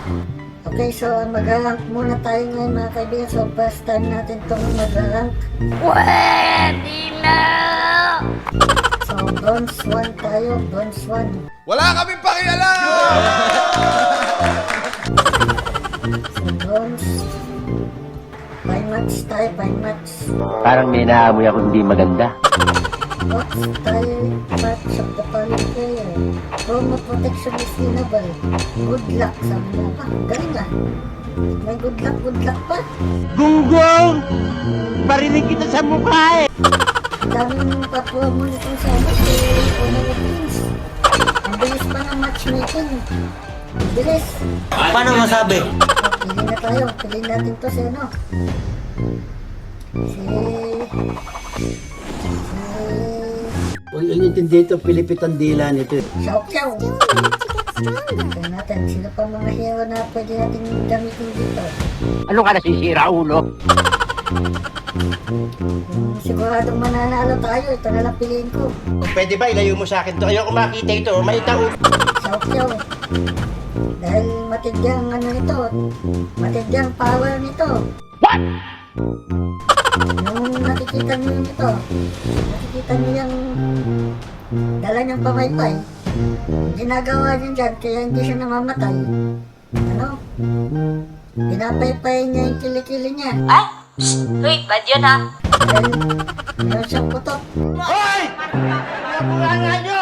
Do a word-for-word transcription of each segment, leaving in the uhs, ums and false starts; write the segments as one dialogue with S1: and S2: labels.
S1: Okay, so mag-rank muna tayo ngayon mga kaibigan. So first time natin itong mag-rank.
S2: Pwede na!
S1: So bronze one tayo, bronze one.
S3: Wala kaming pakialam!
S1: So bronze. Five match tayo, five match.
S4: Parang may naamoy ako hindi maganda.
S1: Box tayo, match of the following player. Promo protection is winnable. Good luck, sabi mo pa. Galing ah. May good luck, good luck pa.
S4: Gunggong! Parinig kita sa mukha eh!
S1: Ang daming pa-promo nitong sa ano, si Honor of Kings. Ang bilis pa ng matchmaking. Ang bilis.
S4: Paano masabi?
S1: O, pili na tayo. Piliin natin to si ano. Si... Si...
S5: Huwag yung intindi ito, Pilipit ang dila nito.
S1: Xiao Xiao. Tingnan natin, sino pa mga hero na pwede natin gamitin dito.
S4: Ano ka nasisira, ulo?
S1: Hmm, siguradong mananalo tayo. Ito na lang piliin ko.
S4: Pwede ba ilayo mo sa akin to? Ayoko makita ito, malita ulo.
S1: Xiao Xiao. Dahil matigyang ano nito. Matigyang power nito.
S4: What?
S1: Nung nakikita niyo yun ito, nakikita niyo yung dala niyang pamaypay. Ginagawa niya dyan, kaya hindi siya namamatay. Ano? Pinapaypay niya yung kilikili niya.
S2: Ay! Shh! Uy, bad yun ha!
S1: Dahil meron siyang putok.
S4: Hoy! Napulanga nyo!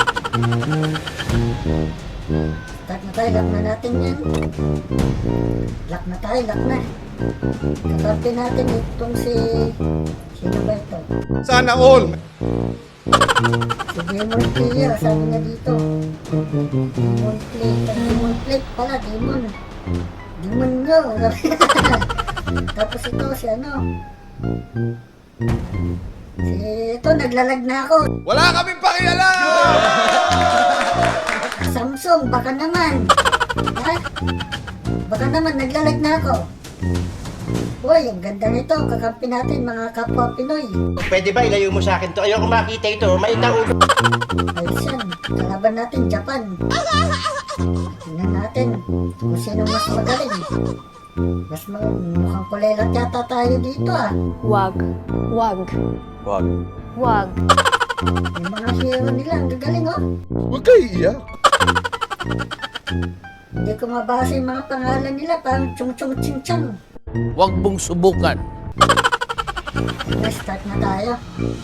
S1: Lock na tayo, lock na natin yan. Lock na tayo, lock na. Kakampi natin itong si... Sino ba ito?
S3: Sana all!
S1: Si Demon Player, sabi niya dito. Demon Plate. Ang Demon Plate pala, Demon. Demon nyo. Tapos ito, si ano? Si ito, naglalag na ako.
S3: Wala kaming pakialam!
S1: Samsung, baka naman. Ha? Baka naman, naglalag na ako. Uy, ang ganda nito. Kakampi natin mga kapwa Pinoy.
S4: Pwede ba ilayo mo sa akin to? Ayoko makita ito, malita ulo.
S1: Ayos yan. Kalaban natin, Japan. Tingnan natin kung sino mas magaling. Mas mag mukhang kulelat yata tayo dito ah.
S2: Wag. Wag.
S4: Wag.
S2: Wag.
S1: Yung mga hero nila, ang gagaling oh.
S3: Huwag kayo iiyak.
S1: Hindi ko mabasa yung mga pangalan nila, parang chung chung ching chang.
S6: Huwag mong subukan.
S1: Sige, start na tayo.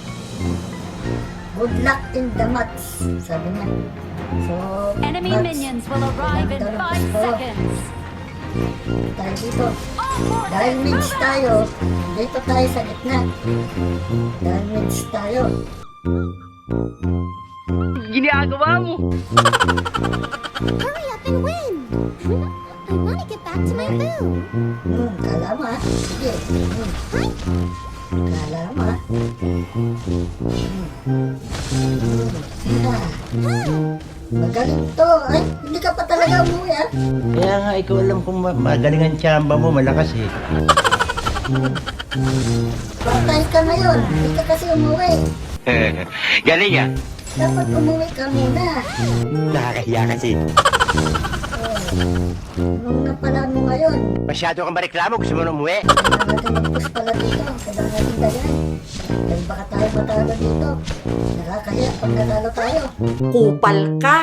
S1: Good luck in the match, sabi niya. So,
S7: Enemy
S1: match.
S7: minions will arrive in
S1: Ganda ng
S7: five
S1: gusto.
S7: seconds.
S1: Tayo dito. Dahil mids tayo, dito tayo sa gitna. Dahil mids tayo.
S4: Ginagawa mo!
S8: Hurry up and win! I want to get back to my room.
S1: Hmm, kala mo ah. Sige. Hmm. Kala mo ah. Hmm. Ah. Magaling to. Ay, hindi ka pa talaga umuwi ah.
S4: Kaya nga, ikaw alam kung ma- magaling ang tsamba mo, malakas eh.
S1: Patay ka ngayon. Hindi ka kasi umuwi.
S4: Galing ah!
S1: Dapat umuwi ka muna.
S4: Nakakahiya kasi.
S1: Nung napala mo ngayon.
S4: Masyado kang mareklamo, gusto mo na umuwi?
S1: Kailangan natin mag-push pala dito. Kailangan natin dayan. Dahil baka tayo matalo dito. Nakakahiya pag natalo tayo.
S2: Kupal ka!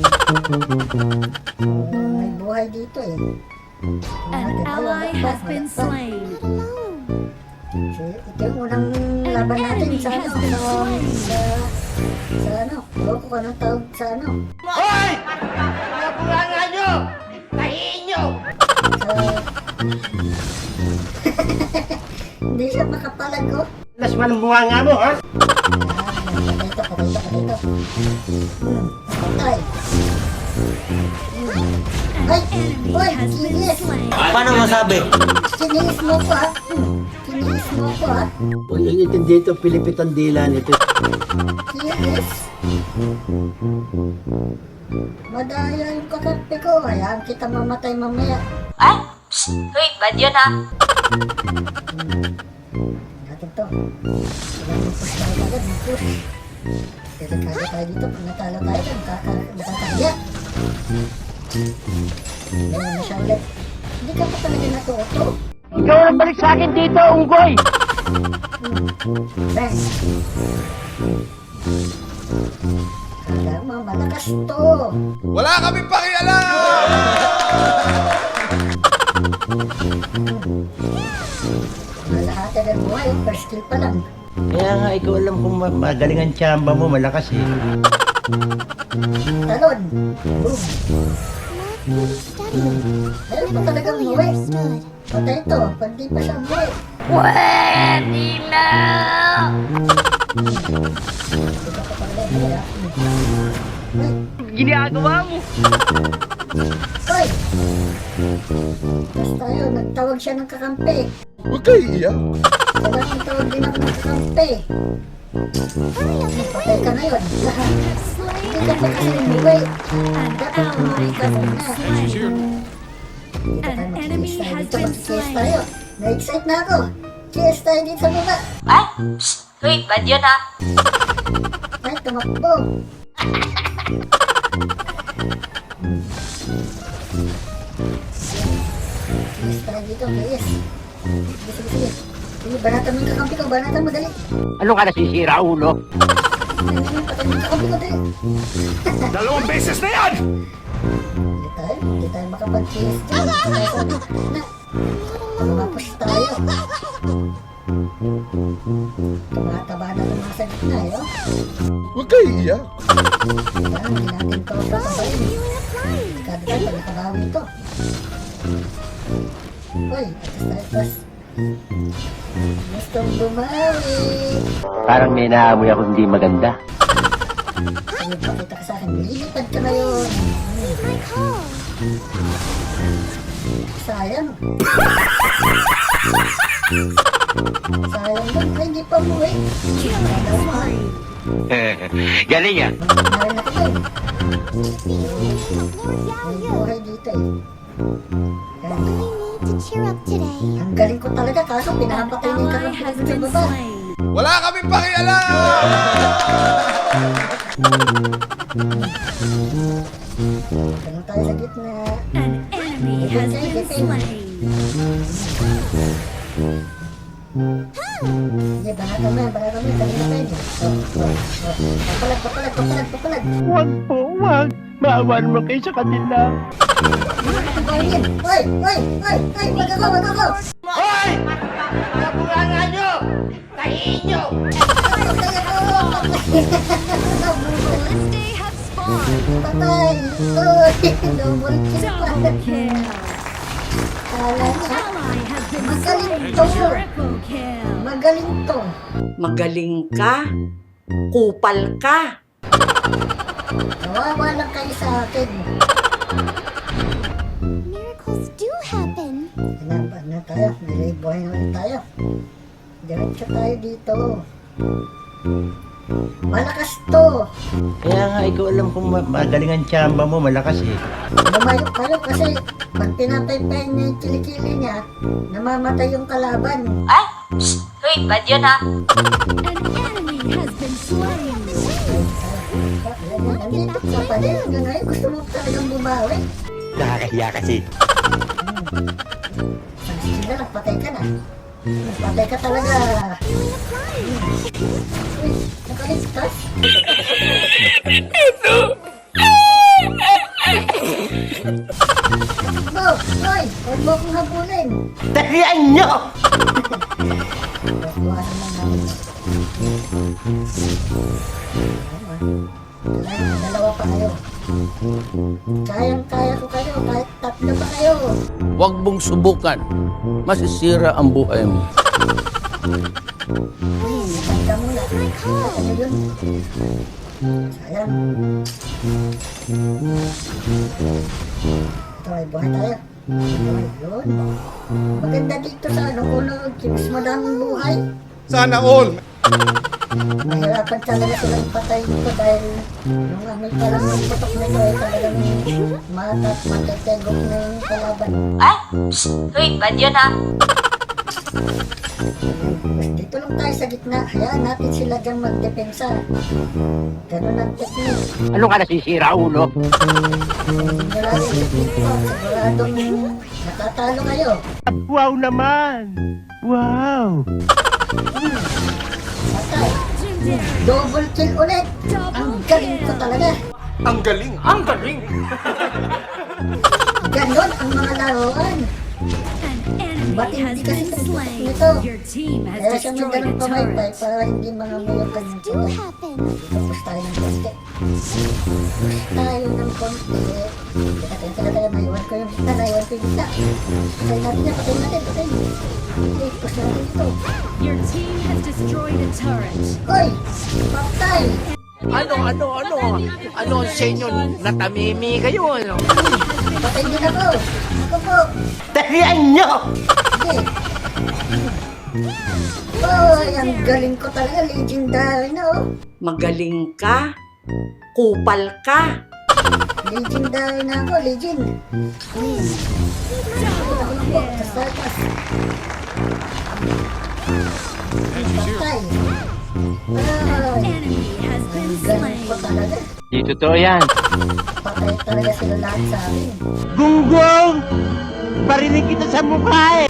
S1: Hmm, may buhay dito eh.
S7: An ally has been slain.
S1: So, ito yung unang laban natin sa ano, sa, sa, sa ano, ewan ko kung anong tawag sa ano,
S4: Hoy! Napulanga nyo! Tahiin nyo!
S1: sa, hindi siya makapalag ko.
S4: Las man ang bunga nga mo, ha?
S1: Ah, patay ito, patay ito, patay ito. Hmm, patay. Hmm. Ay, boy, kinis.
S4: Paano masabi?
S1: Kinis mo ko ah. Hmm, kinis mo ko ah.
S5: Huwag yung intindi ito, Pilipit ang dila nito.
S1: Kinis. Madaya yung kakampi ko. Hayaan kita mamatay mamaya.
S2: Ay! Shh! Uy, bad yun ha!
S1: Natin to. Kailangan push tayo agad. Push. Delikado tayo dito. Pag natalo tayo, nakaka- nakakahiya. Ganyan na siya ulit. Hindi ka pa talaga natuto.
S4: Ikaw ang balik sa akin dito, unggoy!
S1: Bang! Kala mo, malakas to.
S3: Wala kaming pakialam!
S1: Malahati ng buhay, first kill pa lang.
S5: Kaya nga, ikaw alam kung ma- magaling ang tsamba mo, malakas eh.
S1: Talon! Boom!
S8: Steady.
S1: Meron pa talagang
S8: Fully
S1: buhay.
S8: understood.
S1: Patay to, pag di pa siya buhay.
S2: Pwede na!
S1: Hindi ka pa talaga buhay, ah. Ay,
S4: Ginagawa mo!
S1: Hoy! Tapos tayo, nagtawag siya ng kakampi.
S3: Huwag kayo iiyak.
S1: Kaya nagtawag din ako ng kakampi. Patay ka ngayon. Hindi ka pa kasi umuwi.
S7: An
S1: Dapat umuwi
S7: ally
S1: ka
S7: has been
S1: muna.
S7: slain.
S1: Hindi ka tayo
S7: An enemy
S1: mag-K S tayo.
S7: has
S1: Dito
S7: been
S1: mag-K S
S7: slain.
S1: tayo. Na-excite na ako. K S tayo dito sa baba.
S2: Ay, shh! Hoy, bad yun ah.
S1: Ay, tumakbo. K S tayo dito, K S. Sige, sige, sige. Sige, banatan mo yung kakampi ko. Banatan mo, dali.
S4: Ano ka nasisira, ulo?
S1: Dali, dali, patay mo yung kakampi ko, dali.
S3: Dalawang beses na yan!
S1: Hindi tayo, hindi tayo makapag-K S dyan. Kaya sabi, na, tumapos tayo. Tumataba na ng mga sa gitna, eh, oh.
S3: Huwag kayo iiyak.
S1: Kaya hindi natin to tatabayin. Kada tayo, nakabawi ito. Uy, atas tayo, atas. Gustong bumawi.
S4: Parang may naamoy ako hindi maganda.
S1: Sige, pakita ka sa akin. Lilipad ka ngayon.
S8: My call.
S1: Sayang. Sayang lang. Ay, hindi pa buhay.
S7: Killing spree.
S4: Galing ah!
S1: Meron na kayo.
S8: Lord
S1: May
S8: Yao
S1: buhay dito eh. Kaya,
S8: I need to cheer up today.
S1: ang galing ko talaga kaso
S7: An
S1: pinapatay niya yung
S7: ally
S1: kakapit
S7: has
S1: sa
S7: been
S1: baba.
S7: slain.
S3: Wala kaming pakialam!
S1: Ganun tayo sa gitna.
S7: An enemy has been slain.
S1: Hindi, banatan mo yan, banatan mo yan. Kanina pa yun eh. Oh, oh, oh. Papalag, papalag, papalag, papalag.
S4: Huwag po, huwag! Maawan mo kayo sa kanila.
S1: Papalag yan. Oy, oy, oy, oy, wag ako, wag ako.
S4: Hoy! Nabulangan nyo! Tahiin nyo!
S1: Patay ako, patay.
S7: This day has spawned.
S1: Patay. Oy, double kill pa.
S7: Double kill.
S1: Kala niya,
S7: Ally has been
S1: magaling
S7: slain.
S1: to.
S7: Triple kill.
S1: Magaling to.
S2: Magaling ka. Kupal ka.
S1: Kawawa lang kayo sa akin.
S8: Miracles do happen.
S1: Hinapad na tayo. May buhay na ulit tayo. Diretso tayo dito. Malakas to.
S5: Kaya nga, ikaw alam kung ma- magaling ang tsamba mo, malakas eh.
S1: Lumayo kayo kasi pag pinapaypay niya yung kilikili niya, namamatay yung kalaban.
S2: Ay, shh! Hoy, bad yun ah.
S7: An enemy has been slain.
S1: Nandito ka pa din. Hanggang ngayon gusto mo talagang bumawi.
S4: Nakakahiya kasi.
S1: Sige na lang, patay ka na. Patay ka talaga. Uy, nakaligtas. Bo, Roy, huwag mo akong habulin.
S4: Tahiyan nyo!
S1: Buwasan lang namin. Dalawa, dalawa pa kayo. Kayang-kaya ko kayo, kahit tatlo pa kayo.
S6: Huwag mong subukan. Masisira ang buhay mo.
S1: Uy, ka muna. Ano yun? Sayang. Ito ay buhay tayo. Buhay yun. Maganda dito sa ano, kulog. Mas madaming buhay.
S3: Sana all!
S1: Mahirapan talaga silang patay dito dahil nung amoy pa lang ng putok nito ay talagang matat, matetegok na yung kalaban.
S2: Ay, shh! Hoy, bad yun ah.
S1: Dito lang tayo sa gitna. Hayaan natin sila dyan magdepensa. Ganun ang technique.
S4: Ano ka nasisira, ulo?
S1: Sigurado technique po. Siguradong natatalo kayo.
S4: Wow naman! Wow!
S1: Patay.
S7: Legendary.
S1: Double kill ulit. Ang galing ko talaga.
S3: Ang galing! Ang galing!
S1: Ganon ang mga laruan.
S7: An enemy
S1: Ba't
S7: has
S1: hindi kasi
S7: been slain.
S1: nito?
S7: Your team
S1: Kaya
S7: has
S1: siya may
S7: destroyed
S1: ganun
S7: a
S1: pamaypay
S7: turret.
S1: para hindi mga mo yung kanyang
S8: Do
S1: tuloy.
S8: happen.
S1: Tapos tayo ng poste. Push tayo ng konti. Teka, teka, teka, teka. Naiwan ko yung gitna, naiwan ko yung gitna. Patayin natin yan, patayin natin, patayin. Okay, push natin ito.
S7: Your team has destroyed a turret.
S1: Hoy! Patay!
S6: Ano, ano, ano? Ano sa inyo? Natamimi kayo, ano?
S1: Patay din ako! Ako po!
S4: Talian nyo!
S1: Sige! Hoy! Ang galing ko talaga, legendary na oh!
S2: Magaling ka? Kupal ka?
S1: Legendary na ako, legend! Hmm. Ako lang po, basta pas. Patay! Ay!
S7: Enemy has been
S1: Ang galing ko
S7: slain.
S1: talaga.
S4: Di totoo yan.
S1: Patay talaga sila lahat sa akin.
S4: Gunggong! Parinig kita sa mukha eh!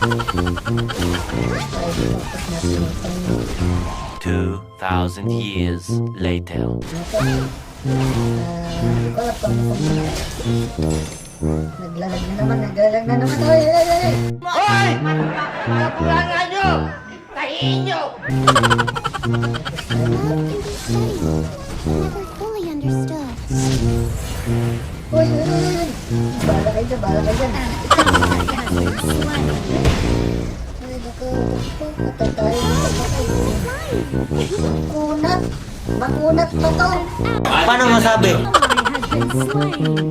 S1: Patay, tapos natin ito.
S9: Two thousand years later.
S1: Ito. Ah, hindi ko alam kung ano. Naglalag na naman, naglalag na naman. Oy, oy, oy!
S4: Hoy! Kapulangan nyo! Tahiin nyo!
S8: Love can be studied, never fully understood.
S1: Oy, oy, oy, oy! Bala kayo dyan, bala kayo dyan.
S7: Ally has been slain.
S1: Ay, naku, patay tayo, patay. Makunat! Makunat pa to!
S4: Paano masabi?
S7: Ally has been slain.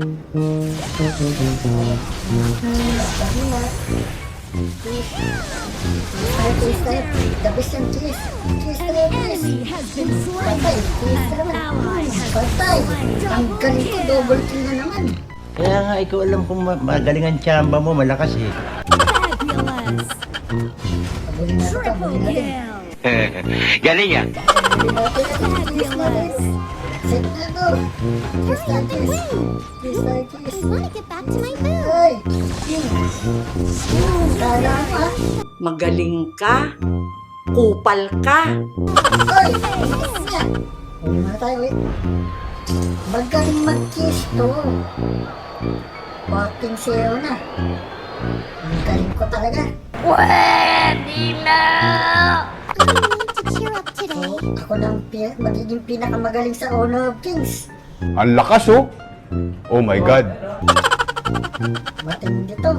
S1: Sabi na. Cheese. Cheese tayo, cheese tayo. The best yung cheese. Cheese tayo, cheese.
S7: Enemy has been
S1: Patay,
S7: slain.
S1: cheese
S7: An
S1: naman.
S7: ally has
S1: Patay!
S7: been
S1: Ang
S7: slain.
S1: galing ko, double kill na naman.
S5: Kaya nga, ikaw alam kung ma- magaling ang tsamba mo, malakas eh.
S7: Fabulous.
S1: Abulin natin ito,
S7: Triple
S1: abulin natin.
S7: kill.
S4: Galing yan.
S1: Abulin natin ito, cheese natin. Set na ito. Cheese tayo, cheese. Cheese tayo, cheese.
S8: I want to get back to my food.
S1: Ay! Kala mo ah.
S2: Magaling ka? Kupal ka?
S1: Ay! Ano niya? Uwi muna tayo, wait. Magaling mag-kiss to. Fucking zero na. Ang galing ko talaga.
S2: Pwede na!
S8: I need to cheer up
S1: So,
S8: today.
S1: ako na ang pi- magiging pinakamagaling sa Honor of Kings.
S3: Ang lakas oh! Oh my God!
S1: Matindi to.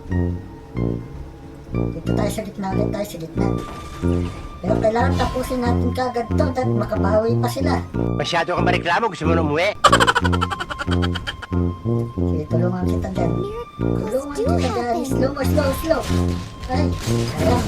S1: Dito tayo sa gitna ulit, tayo sa gitna. Pero kailangan tapusin natin kagad to dahil makabawi pa sila.
S4: Masyado kang mareklamo, gusto mo na umuwi.
S1: Sige, tulungan kita dyan. Tulungan
S8: Do
S1: kita dyan.
S8: happen.
S1: Slow mo, slow, slow. Ay, ayan.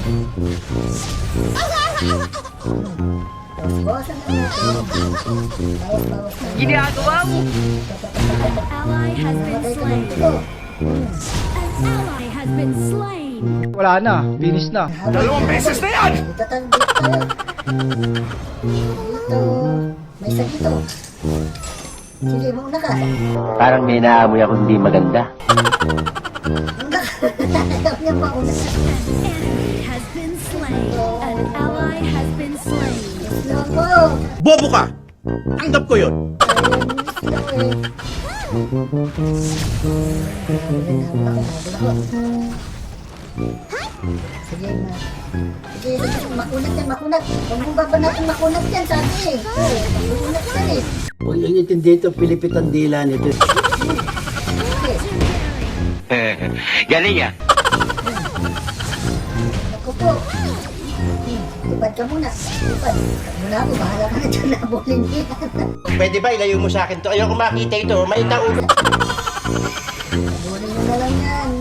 S1: Bawas-bawasan na natin. Bawas-bawas na.
S2: Ginagawa mo!
S7: Ally has been
S1: Matay ka
S7: slain.
S1: ng ito.
S7: An ally has been slain.
S5: Wala na, finish na.
S3: Dalawang beses na yan!
S1: Dito tayo, dito tayo. Dito. May isa dito. Sige, mauna ka.
S4: Parang may naamoy ako hindi maganda.
S1: Mauna ka. Ayaw niya mauna.
S7: An enemy has been slain. An ally has been slain.
S1: Slow mo.
S6: Bobo ka! Tanggap ko yun!
S1: Ayun, slow eh. Sige na. Sige, sige, makunat yan, makunat. Huwag mong baba natin makunat yan, sabi eh. Makunat yan eh.
S5: Huwag yung intindi ito, Pilipit ang dila nito.
S4: Galing yan.
S1: Ako po. Hmm, Lipad ka muna. Lipad. Lipad muna ako, bahala ka na dyan na bulin yan.
S4: Pwede ba ilayo mo sa akin to? Ayoko makita ito, may taulo.
S1: Bulin mo na lang yan.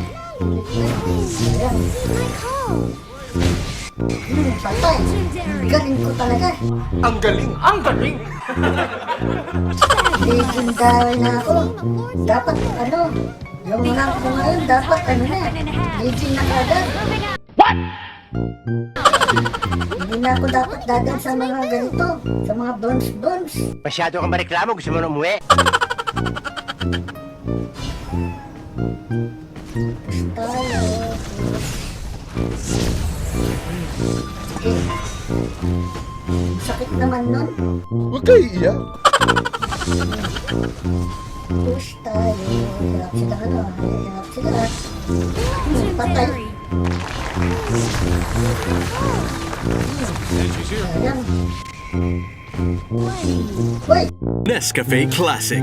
S1: Ayan.
S8: My call.
S1: Hmm, patay. Galing ko talaga.
S3: Ang galing! Ang galing!
S1: Legendary na ako. Dapat ano, yung rank ko ngayon, dapat ano na, legend na kagad. Hindi na ako dapat dadan sa mga ganito, sa mga bronze-bronze.
S4: Masyado kang mareklamo, gusto mo na umuwi?
S1: Tayo. Sakit naman nun.
S3: Huwag kayo iiyak.
S1: Push tayo. Hirap sila ano. Hirap sila. Patay.
S7: Legendary.
S1: Ayan. Uy!
S10: Nescafe Classic.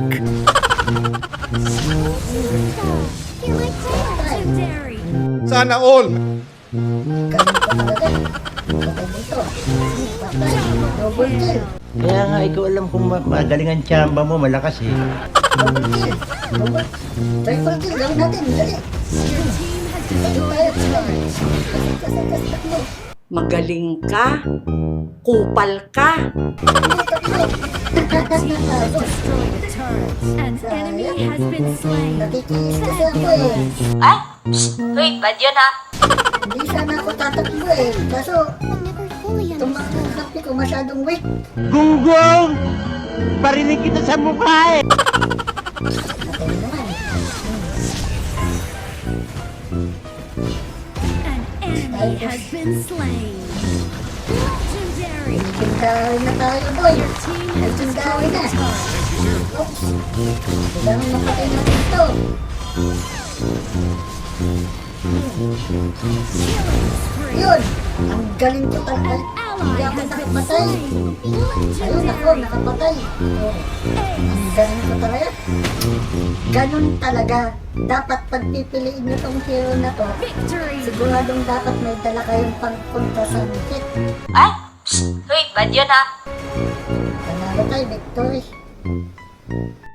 S8: Feel like that.
S7: Legendary.
S3: Sana all.
S1: Ganun pa talaga. Patay dito. Patay. Double kill.
S4: Kaya nga, ikaw alam kung ma- magaling ang tsamba mo, malakas eh.
S1: Double kill. Double. Triple kill. Gawin natin. Dali.
S7: Your team has
S1: Dali
S7: destroyed
S1: tayo.
S7: a turret.
S1: Kasi kasi kasi tatlo.
S2: Magaling ka. Kupal ka.
S1: Tatlo.
S7: Team has destroyed a turret. An enemy has been slain.
S1: Nakikis kasi ako eh.
S2: Ay! Wait, bad yun ha?
S1: Hindi sana ako tatakbo eh. Kaso,
S8: I'm never fully
S1: itong mga
S8: understood.
S1: kapi ko masyadong weak.
S4: Gunggong! Parinig kita sa mukha eh!
S1: Patay naman.
S7: An enemy has been slain. Legendary.
S1: Tindahin na tayo, boy.
S7: Your team has
S1: Tindahin
S7: destroyed
S1: na.
S7: a turret.
S1: Oops. Kailangan mapatay natin ito. Yun! Ang galing ko talaga. Hindi ako nakapatay. Ayun ako, nakapatay. Oh. Ang galing ko talaga. Ganun talaga. Dapat pagpipiliin nyo tong hero na to,
S7: Victory.
S1: siguradong dapat may dala kayong pangpunta sa hit.
S2: Ay! Wait, bad yun ha?
S1: Panalo tayo, victory.